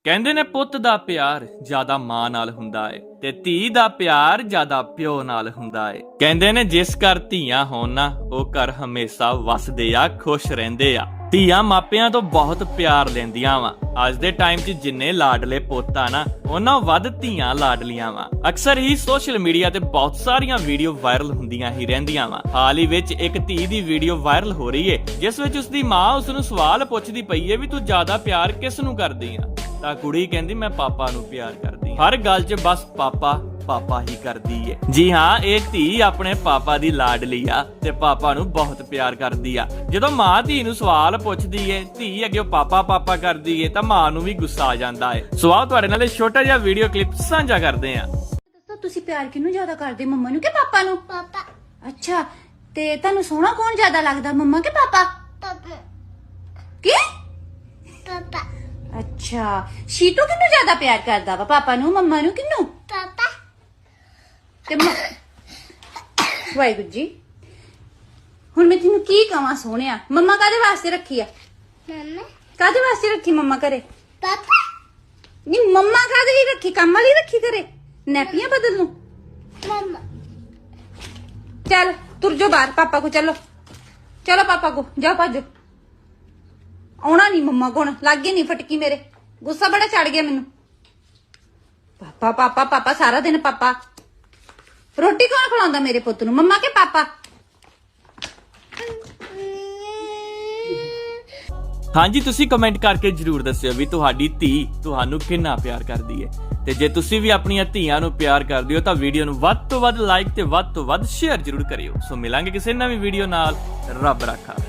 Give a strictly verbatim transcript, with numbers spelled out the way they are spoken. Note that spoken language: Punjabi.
ਕਹਿੰਦੇ ਨੇ ਪੁੱਤ ਦਾ ਪਿਆਰ ਜ਼ਿਆਦਾ ਮਾਂ ਨਾਲ ਹੁੰਦਾ ਏ ਤੇ ਧੀ ਦਾ ਪਿਆਰ ਜ਼ਿਆਦਾ ਪਿਓ ਨਾਲ ਹੁੰਦਾ ਏ। ਕਹਿੰਦੇ ਨੇ ਜਿਸ ਘਰ ਧੀਆਂ ਹੋਣ ਨਾ ਉਹ ਘਰ ਹਮੇਸ਼ਾ ਵਸਦੇ ਆ, ਖੁਸ਼ ਰਹਿੰਦੇ ਆ। ਧੀਆਂ ਮਾਪਿਆਂ ਤੋਂ ਬਹੁਤ ਪਿਆਰ ਲੈਂਦੀਆਂ ਵਾ। ਅੱਜ ਦੇ ਟਾਈਮ 'ਚ ਜਿੰਨੇ ਲਾਡਲੇ ਪੁੱਤ ਆ ਨਾ ਉਹਨਾਂ ਵੱਧ ਧੀਆਂ ਲਾਡਲੀਆਂ ਵਾ। ਅਕਸਰ ਹੀ ਸੋਸ਼ਲ ਮੀਡੀਆ ਤੇ ਬਹੁਤ ਸਾਰੀਆਂ ਵੀਡੀਓ ਵਾਇਰਲ ਹੁੰਦੀਆਂ ਹੀ ਰਹਿੰਦੀਆਂ ਵਾ। ਹਾਲ ਹੀ ਵਿੱਚ ਇੱਕ ਧੀ ਦੀ ਵੀਡੀਓ ਵਾਇਰਲ ਹੋ ਰਹੀ ਏ ਜਿਸ ਵਿੱਚ ਉਸਦੀ ਮਾਂ ਉਸ ਨੂੰ ਸਵਾਲ ਪੁੱਛਦੀ ਪਈ ਏ ਵੀ ਤੂੰ ਜ਼ਿਆਦਾ ਪਿਆਰ ਕਿਸ ਨੂੰ ਕਰਦੀ ਆ। ਤਾਂ ਕੁੜੀ ਕਹਿੰਦੀ ਮੈਂ ਪਾਪਾ ਨੂੰ ਪਿਆਰ ਕਰਦੀ ਹਾਂ। ਹਰ ਗੱਲ 'ਚ ਬਸ ਪਾਪਾ ਪਾਪਾ ਹੀ ਕਰਦੀ ਏ। ਜੀ ਹਾਂ, ਇਹ ਧੀ ਆਪਣੇ ਪਾਪਾ ਦੀ ਲਾਡਲੀ ਆ ਤੇ ਪਾਪਾ ਨੂੰ ਬਹੁਤ ਪਿਆਰ ਕਰਦੀ ਆ। ਜਦੋਂ ਮਾਂ ਧੀ ਨੂੰ ਸਵਾਲ ਪੁੱਛਦੀ ਏ, ਧੀ ਅੱਗੇ ਪਾਪਾ ਪਾਪਾ ਕਰਦੀ ਏ ਤਾਂ ਮਾਂ ਨੂੰ ਵੀ ਗੁੱਸਾ ਆ ਜਾਂਦਾ ਏ। ਸੋ ਆਓ ਤੁਹਾਡੇ ਨਾਲ ਇਹ ਛੋਟਾ ਜਿਹਾ ਵੀਡੀਓ ਕਲਿੱਪ ਸਾਂਝਾ ਕਰਦੇ ਆ। ਦੱਸੋ ਤੁਸੀਂ ਪਿਆਰ ਕਿਹਨੂੰ ਜ਼ਿਆਦਾ ਕਰਦੇ, ਮੰਮਾ ਨੂੰ ਕਿ ਪਾਪਾ ਨੂੰ? ਪਾਪਾ ਅੱਛਾ, ਤੇ ਤੁਹਾਨੂੰ ਸੋਹਣਾ ਕੌਣ ਜ਼ਿਆਦਾ ਲੱਗਦਾ, ਮੰਮਾ ਕਿ ਪਾਪਾ? ਪਾਪਾ ਕੀ? ਪਾਪਾ ਅੱਛਾ, ਸ਼ੀਟੂ ਕਿਹਨੂੰ ਜ਼ਿਆਦਾ ਪਿਆਰ ਕਰਦਾ ਵਾ, ਪਾਪਾ ਨੂੰ, ਮੰਮਾ ਨੂੰ, ਕਿਹਨੂੰ? ਪਾਪਾ ਤੇ ਵਾਹਿਗੁਰੂ ਜੀ, ਹੁਣ ਮੈਂ ਤੈਨੂੰ ਕੀ ਕਵਾਂ ਸੋਹਣਿਆ, ਮੰਮਾ ਕਾਹਦੇ ਵਾਸਤੇ ਰੱਖੀ ਆ? ਮਮਾ ਕਾਹਦੇ ਵਾਸਤੇ ਰੱਖੀ ਮੰਮਾ ਘਰੇ? ਪਾਪਾ ਨਹੀਂ, ਮੰਮਾ ਕਾਹਦੇ ਲਈ ਰੱਖੀ? ਕੰਮ ਵਾਲੀ ਰੱਖੀ ਘਰੇ, ਨੈਪੀਆਂ ਬਦਲ ਨੂੰ? ਮਮਾ ਚੱਲ ਤੁਰ ਜਾਓ ਬਾਹਰ, ਪਾਪਾ ਕੋ ਚਲੋ, ਚਲੋ ਪਾਪਾ ਕੋ ਜਾਓ, ਭੱਜੋ। ਆਉਣਾ ਨਹੀਂ ਮੰਮਾ ਕੋਲ, ਲੱਗੇ ਨਹੀਂ ਫਟਕੀ ਮੇਰੇ, ਗੁੱਸਾ ਬੜਾ ਚੜ ਗਿਆ ਮੈਨੂੰ। ਪਾਪਾ ਪਾਪਾ ਪਾਪਾ ਸਾਰਾ ਦਿਨ ਪਾਪਾ। ਰੋਟੀ ਕੌਣ ਖਿਲਾਉਂਦਾ ਮੇਰੇ ਪੁੱਤ ਨੂੰ, ਮੰਮਾ ਕੇ ਪਾਪਾ? ਹਾਂਜੀ, ਤੁਸੀਂ ਕਮੈਂਟ ਕਰਕੇ ਜਰੂਰ ਦੱਸਿਓ ਵੀ ਤੁਹਾਡੀ ਧੀ ਤੁਹਾਨੂੰ ਕਿੰਨਾ ਪਿਆਰ ਕਰਦੀ ਹੈ। ਤੇ ਜੇ ਤੁਸੀਂ ਵੀ ਆਪਣੀਆਂ ਧੀਆਂ ਨੂੰ ਪਿਆਰ ਕਰਦੇ ਹੋ ਤਾਂ ਵੀਡੀਓ ਨੂੰ ਵੱਧ ਤੋਂ ਵੱਧ ਲਾਈਕ ਤੇ ਵੱਧ ਤੋਂ ਵੱਧ ਸ਼ੇਅਰ ਜਰੂਰ ਕਰਿਓ। ਸੋ ਮਿਲਾਂਗੇ ਕਿਸੇ ਨਵੀਂ ਵੀਡੀਓ ਨਾਲ। ਰੱਬ ਰਾਖਾ।